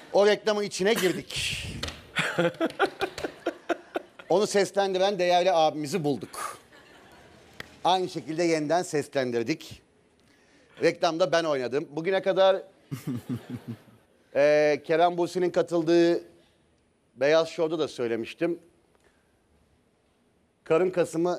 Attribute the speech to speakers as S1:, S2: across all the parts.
S1: O reklamın içine girdik. Onu seslendiren değerli abimizi bulduk. Aynı şekilde yeniden seslendirdik. Reklamda ben oynadım. Bugüne kadar Kerem Bürsin'in katıldığı Beyaz Show'da da söylemiştim. Karın kasımı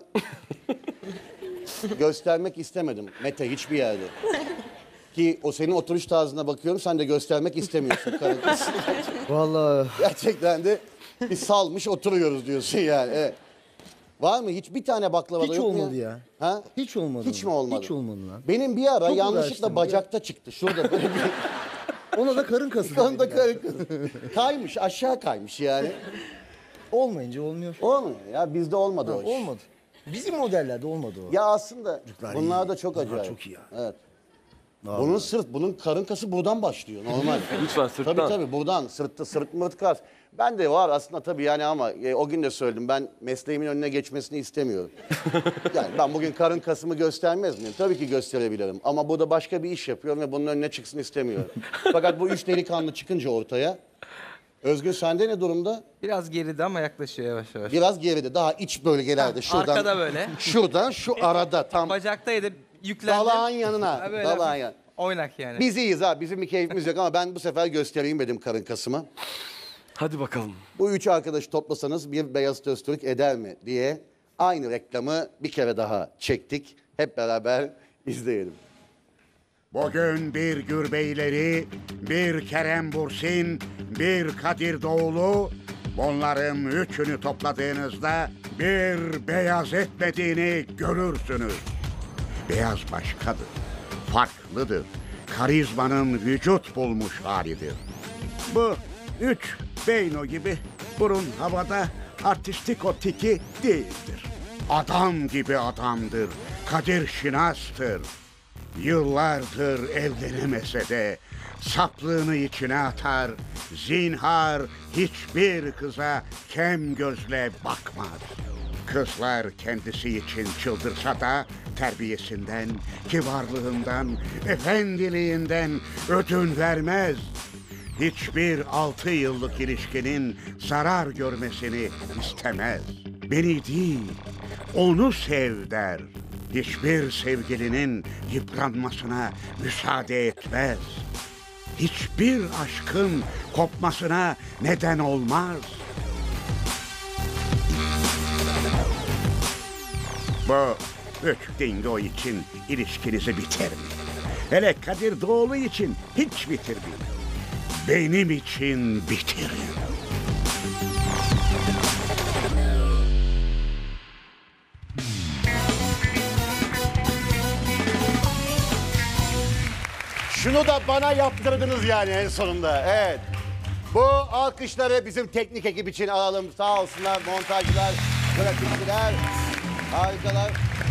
S1: göstermek istemedim Mete hiçbir yerde. Ki o senin oturuş tarzına bakıyorum, sen de göstermek istemiyorsun karın kasını.
S2: Vallahi
S1: Gerçekten de bir salmış oturuyoruz diyorsun yani. Evet. Var mı? Hiç bir tane baklavada
S2: hiç
S1: yok mu
S2: olmadı ya.
S1: Ha?
S2: Hiç olmadı.
S1: Hiç mi olmadı?
S2: Hiç olmadı lan.
S1: Benim bir ara
S2: Çok
S1: yanlışlıkla
S2: uğraştım.
S1: bacakta çıktı. Şurada böyle bir...
S2: Ona da karın kası.
S1: Onda
S2: dediler.
S1: kaymış, aşağı kaymış yani.
S2: Olmayınca olmuyor.
S1: Olmuyor ya, bizde olmadı o iş.
S2: Olmadı. Bizim modellerde olmadı o.
S1: Ya aslında
S2: Çocuklar
S1: bunlar
S2: iyi.
S1: da çok
S2: Bunlar
S1: acayip.
S2: çok iyi ya.
S1: Evet.
S2: Vallahi.
S1: Bunun karın kası buradan başlıyor normal.
S3: Lütfen sırttan.
S1: Tabii buradan sırt mırt kas. Ben de var aslında tabii yani ama o gün de söyledim, ben mesleğimin önüne geçmesini istemiyorum. Yani ben bugün karın kasımı göstermez miyim? Tabii ki gösterebilirim ama burada başka bir iş yapıyorum ve bunun önüne çıksın istemiyorum. Fakat bu üç delikanlı çıkınca ortaya, Özgür sende ne durumda?
S4: Biraz geride ama yaklaşıyor yavaş yavaş.
S1: Biraz geride, daha iç bölgelerde şuradan.
S4: Arkada böyle.
S1: Şuradan şu arada tam
S4: Bacaktaydı yüklendim.
S1: dalağın yanına.
S4: Ha, böyle
S1: Dalağın
S4: hafif
S1: yanına.
S4: oynak yani.
S1: Biz iyiyiz ha, bizim bir keyfimiz yok ama ben bu sefer göstereyim dedim karın kasımı.
S3: Hadi bakalım.
S1: Bu üç arkadaşı toplasanız bir Beyazıt Öztürk eder mi diye aynı reklamı bir kere daha çektik. Hep beraber izleyelim.
S5: Bugün bir Gürbeyleri, bir Kerem Bürsin, bir Kadir Doğulu, bunların üçünü topladığınızda bir beyaz etmediğini görürsünüz. Beyaz başkadır, farklıdır, karizmanın vücut bulmuş halidir. Bu üç Beyno gibi burun havada artistik o tiki değildir. Adam gibi adamdır, Kadir Şinas'tır. Yıllardır evlenemese de saplığını içine atar, zinhar hiçbir kıza kem gözle bakmaz. Kızlar kendisi için çıldırsa da terbiyesinden, kibarlığından, efendiliğinden ödün vermez. Hiçbir 6 yıllık ilişkinin zarar görmesini istemez. Beni değil, onu sev der. Hiçbir sevgilinin yıpranmasına müsaade etmez. Hiçbir aşkın kopmasına neden olmaz. Bu üç dingo için ilişkinizi bitirmeyin. Hele Kadir Doğulu için hiç bitirmeyin. Benim için bitirin.
S1: Şunu da bana yaptırdınız yani en sonunda. Evet. Bu alkışları bizim teknik ekip için alalım. Sağ olsunlar montajcılar, grafikçiler. Harikalar.